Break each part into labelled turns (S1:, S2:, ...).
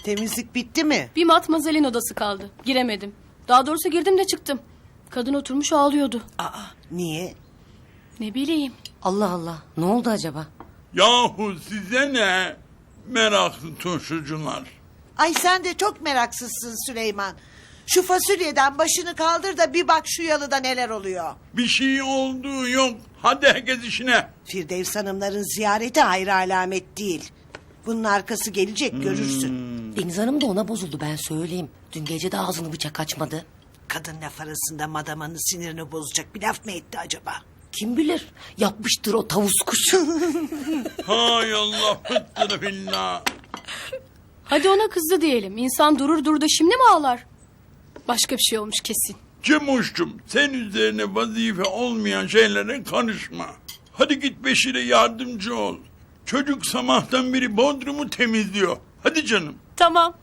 S1: Temizlik bitti mi?
S2: Bir matmazelin odası kaldı. Giremedim. Daha doğrusu girdim de çıktım. Kadın oturmuş ağlıyordu.
S1: Aa, niye?
S2: Ne bileyim.
S3: Allah Allah. Ne oldu acaba?
S4: Yahu size ne? Meraklı turşucular.
S1: Ay sen de çok meraksızsın Süleyman. Şu fasulyeden başını kaldır da bir bak şu yalıda neler oluyor.
S4: Bir şey olduğu yok. Hadi herkes işine.
S1: Firdevs Hanımların ziyareti hayra alamet değil. Bunun arkası gelecek görürsün.
S3: Deniz Hanım da ona bozuldu, ben söyleyeyim. Dün gece de ağzını bıçak açmadı.
S1: Kadın laf arasında madamanın sinirini bozacak bir laf mı etti acaba?
S3: Kim bilir? Yapmıştır o tavus kuşu.
S4: Hay Allah fıttırı billah.
S2: Hadi ona kızdı diyelim. İnsan durur da şimdi mi ağlar? Başka bir şey olmuş kesin.
S4: Cemuş'cum sen üzerine vazife olmayan şeylere karışma. Hadi git Beşir'e yardımcı ol. Çocuk sabahtan beri Bodrum'u temizliyor. Hadi canım.
S2: Tamam.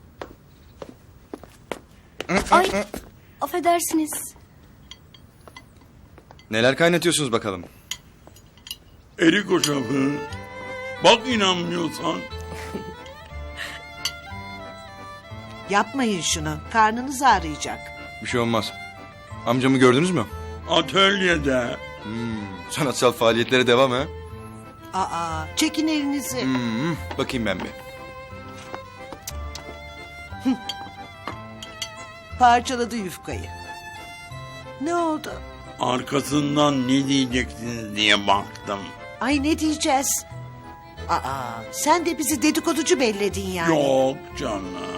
S2: Ay, affedersiniz.
S5: Neler kaynatıyorsunuz bakalım?
S4: Erik hoşafı. Bak inanmıyorsan.
S1: Yapmayın şunu. Karnınız ağrıyacak.
S5: Bir şey olmaz. Amcamı gördünüz mü?
S4: Atölyede.
S5: Sanatsal faaliyetlere devam ha?
S1: Aa, çekin elinizi.
S5: Bakayım ben bir.
S1: Parçaladı yufkayı. Ne oldu?
S4: Arkasından ne diyeceksiniz diye baktım.
S1: Ay ne diyeceğiz? Aa, sen de bizi dedikoducu belledin yani.
S4: Yok canım.